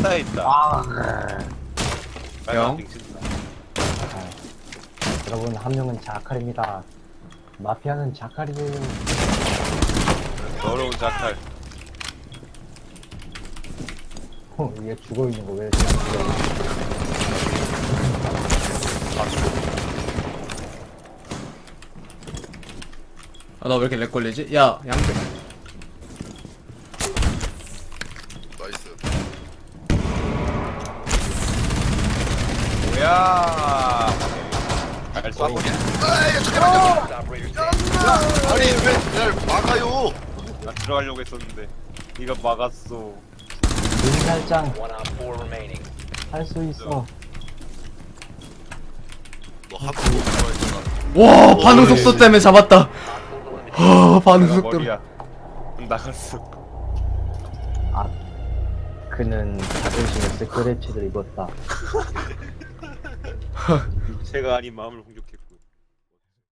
바다에 있다. 형? 여러분, 한 명은 자칼입니다. 마피아는 자칼이에요. 더러운 자칼. 얘 죽어있는 거 왜 이렇게 죽어? 아, 나 왜 이렇게 렉 걸리지? 야, 양배. 나이스. 뭐야? 잘 쏴보냐? 아이 잠깐만요. 아니 왜 날 막아요? 나 들어가려고 했었는데 네가 막았어. 눈살짱 할 수 있어. 너 한번 들어있잖아. 와, 반응 속도 때문에 잡았다. 반응 내가 속도로. 머리야. 나갔어. 아, 그는 자존심에 스크래치를 입었다. 제가 아닌 마음을 공격했고.